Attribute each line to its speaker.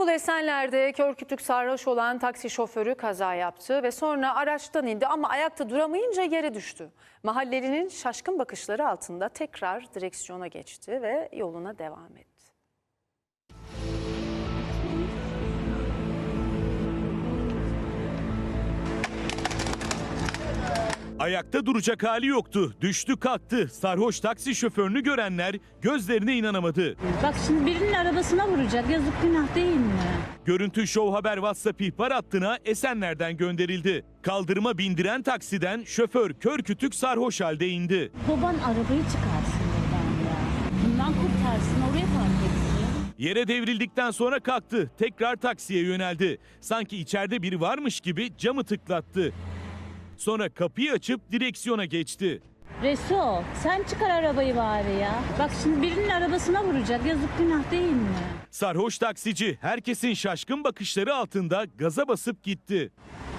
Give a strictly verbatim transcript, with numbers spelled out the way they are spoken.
Speaker 1: İstanbul Esenler'de kör kütük sarhoş olan taksi şoförü kaza yaptı ve sonra araçtan indi ama ayakta duramayınca yere düştü. Mahallelinin şaşkın bakışları altında tekrar direksiyona geçti ve yoluna devam etti.
Speaker 2: Ayakta duracak hali yoktu. Düştü kalktı. Sarhoş taksi şoförünü görenler gözlerine inanamadı.
Speaker 3: Bak şimdi birinin arabasına vuracak. Yazık, günah değil mi?
Speaker 2: Görüntü Show Haber WhatsApp ihbar hattına Esenler'den gönderildi. Kaldırıma bindiren taksiden şoför kör kütük sarhoş halde indi.
Speaker 3: Baban arabayı çıkarsın buradan ya. Bundan kurtarsın, oraya park etsin.
Speaker 2: Yere devrildikten sonra kalktı. Tekrar taksiye yöneldi. Sanki içeride biri varmış gibi camı tıklattı. Sonra kapıyı açıp direksiyona geçti.
Speaker 3: Resul, sen çıkar arabayı bari ya. Bak şimdi birinin arabasına vuracak. Yazık, günah değil mi?
Speaker 2: Sarhoş taksici herkesin şaşkın bakışları altında gaza basıp gitti.